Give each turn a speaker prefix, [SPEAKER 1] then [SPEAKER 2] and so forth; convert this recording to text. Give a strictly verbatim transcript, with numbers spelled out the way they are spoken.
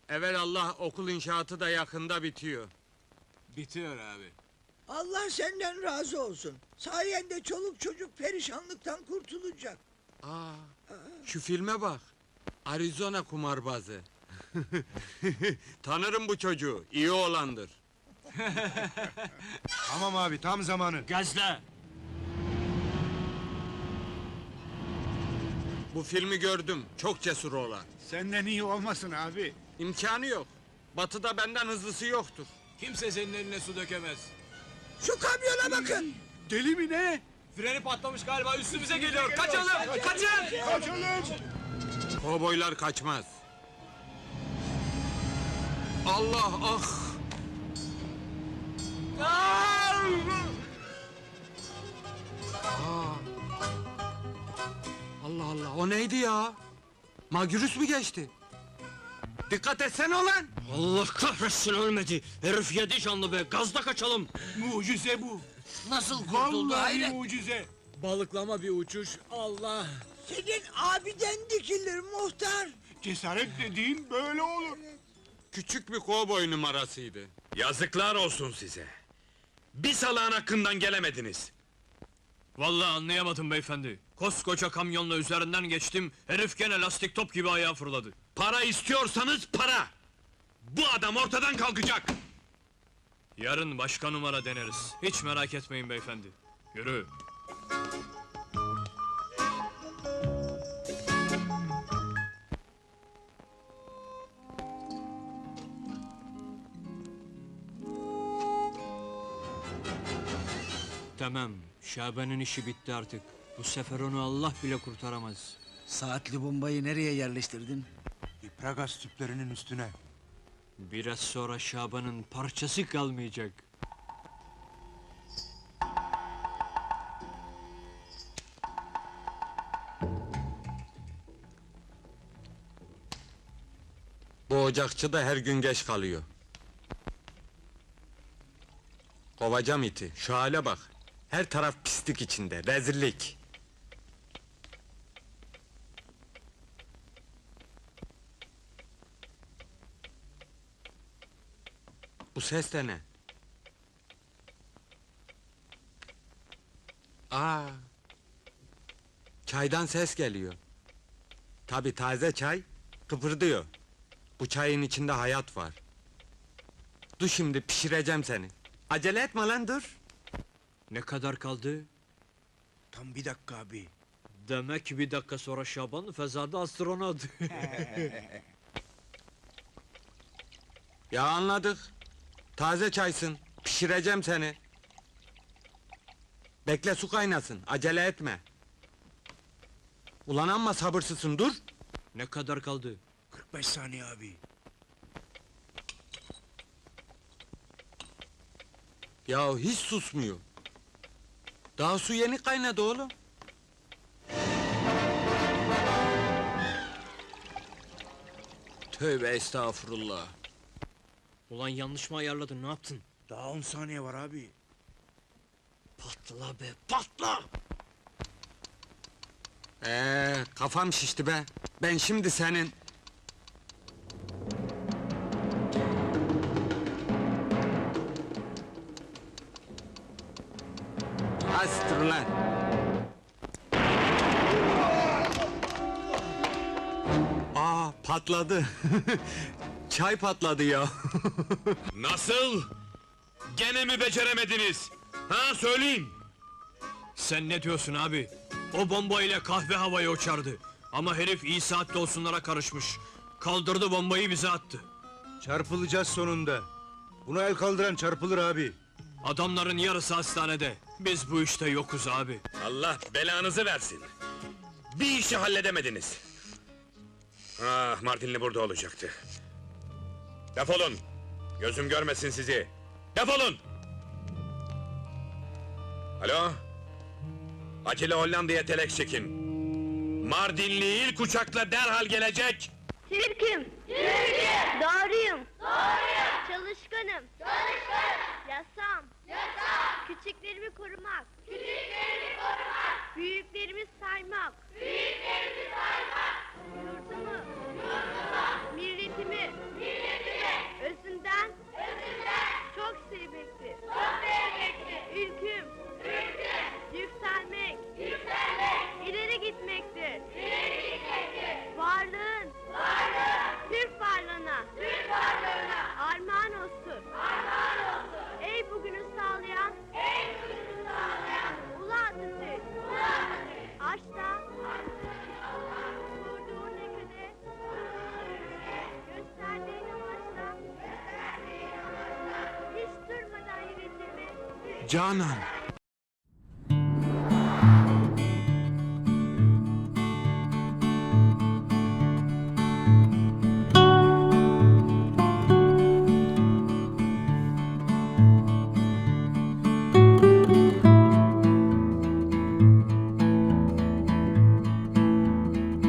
[SPEAKER 1] Evelallah okul inşaatı da yakında bitiyor.
[SPEAKER 2] Bitiyor abi.
[SPEAKER 3] Allah senden razı olsun. Sayende çoluk çocuk perişanlıktan kurtulacak.
[SPEAKER 1] Aa, şu filme bak. Arizona kumarbazı. Tanırım bu çocuğu, iyi oğlandır.
[SPEAKER 4] Tamam abi, tam zamanı.
[SPEAKER 2] Gazla!
[SPEAKER 1] Bu filmi gördüm, çok cesur oğlan.
[SPEAKER 4] Senden iyi olmasın abi.
[SPEAKER 1] İmkanı yok. Batı'da benden hızlısı yoktur.
[SPEAKER 2] Kimse senin eline su dökemez.
[SPEAKER 3] Şu kamyona bakın.
[SPEAKER 4] Deli mi ne?
[SPEAKER 2] Freni patlamış galiba, üstümüze geliyor. Kaçalım! Kaçın!
[SPEAKER 4] Kaçalım!
[SPEAKER 1] Kovboylar kaçmaz. Allah ah! Aa! Allah Allah, o neydi ya? Magürüs mü geçti? Dikkat etsene ulan!
[SPEAKER 5] Allah kahretsin ölmedi! Herif yedi canlı be, gazda kaçalım!
[SPEAKER 4] Mucize bu.
[SPEAKER 5] Nasıl kurtuldu
[SPEAKER 4] Vallahi
[SPEAKER 5] hayret?
[SPEAKER 4] mucize.
[SPEAKER 2] Balıklama bir uçuş, Allah!
[SPEAKER 3] Senin abiden dikilir muhtar.
[SPEAKER 4] Cesaret dediğin böyle olur.
[SPEAKER 1] Küçük bir kovboy numarasıydı.
[SPEAKER 6] Yazıklar olsun size! Bir salağın hakkından gelemediniz!
[SPEAKER 5] Vallahi anlayamadım beyefendi. Koskoca kamyonla üzerinden geçtim, herif gene lastik top gibi ayağa fırladı.
[SPEAKER 6] Para istiyorsanız para! Bu adam ortadan kalkacak!
[SPEAKER 5] Yarın başka numara deneriz. Hiç merak etmeyin beyefendi. Yürü! Tamam, Şaban'ın işi bitti artık. Bu sefer onu Allah bile kurtaramaz.
[SPEAKER 7] Saatli bombayı nereye yerleştirdin?
[SPEAKER 4] İpragaz tüplerinin üstüne.
[SPEAKER 5] Biraz sonra Şaban'ın parçası kalmayacak.
[SPEAKER 1] Bu ocakçı da her gün geç kalıyor. Kovacağım iti, şu hale bak. Her taraf pislik içinde, rezillik. Bu ses de ne? Aa! Çaydan ses geliyor. Tabii taze çay, kıpırdıyor. Bu çayın içinde hayat var. Dur şimdi, pişireceğim seni. Acele etme lan, dur!
[SPEAKER 5] Ne kadar kaldı?
[SPEAKER 7] Tam bir dakika abi.
[SPEAKER 5] Demek bir dakika sonra Şaban fezada astronot.
[SPEAKER 1] Ya anladık. Taze çaysın, pişireceğim seni. Bekle su kaynasın, acele etme. Ulan amma sabırsızsın, dur!
[SPEAKER 5] Ne kadar kaldı?
[SPEAKER 7] kırk beş saniye abi.
[SPEAKER 1] Ya hiç susmuyor. Daha su yeni kaynadı oğlum. Tövbe estağfurullah.
[SPEAKER 5] Ulan yanlış mı ayarladın, ne yaptın?
[SPEAKER 7] Daha on saniye var abi.
[SPEAKER 5] Patla be, patla!
[SPEAKER 1] Ee, kafam şişti be. Ben şimdi senin... Astır lan! Aa, patladı. Çay patladı ya.
[SPEAKER 6] Nasıl? Gene mi beceremediniz? Ha, söyleyin!
[SPEAKER 5] Sen ne diyorsun abi? O bombayla kahve havaya uçardı. Ama herif iyi saatte olsunlara karışmış. Kaldırdı bombayı bize attı.
[SPEAKER 4] Çarpılacağız sonunda. Buna el kaldıran çarpılır abi.
[SPEAKER 5] Adamların yarısı hastanede. Biz bu işte yokuz abi.
[SPEAKER 6] Allah belanızı versin! Bir işi halledemediniz! Ah, Mardinli burada olacaktı. Defolun! Gözüm görmesin sizi! Defolun! Alo? Acele Hollanda'ya telek çekin! Mardinli ilk uçakla derhal gelecek!
[SPEAKER 8] Türk'üm. Türk'üm. Doğruyum. Doğruyum. Çalışkanım. Çalışkanım. Yasam. Yasam. Küçüklerimi korumak. Küçüklerimi korumak. Büyüklerimi saymak. Büyüklerimi saymak. Yurdumu. Yurdumu. Milletimi. Milletimi.
[SPEAKER 6] Canan.